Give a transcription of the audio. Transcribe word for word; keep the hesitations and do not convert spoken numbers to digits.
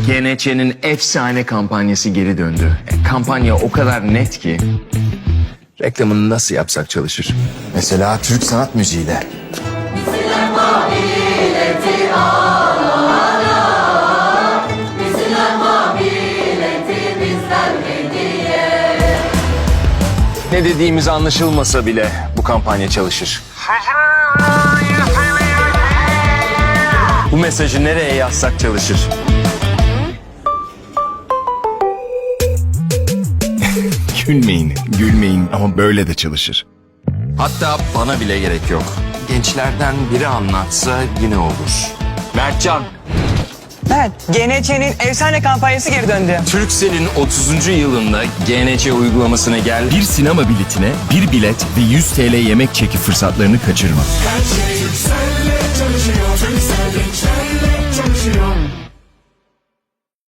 G N Ç'nin efsane kampanyası geri döndü. E, kampanya o kadar net ki. Reklamını nasıl yapsak çalışır? Mesela Türk sanat müziğiyle. Ne dediğimiz anlaşılmasa bile bu kampanya çalışır. Bu mesajı nereye yazsak çalışır. Gülmeyin, gülmeyin ama böyle de çalışır. Hatta bana bile gerek yok. Gençlerden biri anlatsa yine olur. Mertcan, Evet, G N Ç'nin efsane kampanyası geri döndü. Turkcell'in otuzuncu yılında G N Ç uygulamasına gel. Bir sinema biletine bir bilet ve yüz TL yemek çeki fırsatlarını kaçırma. Her şey sen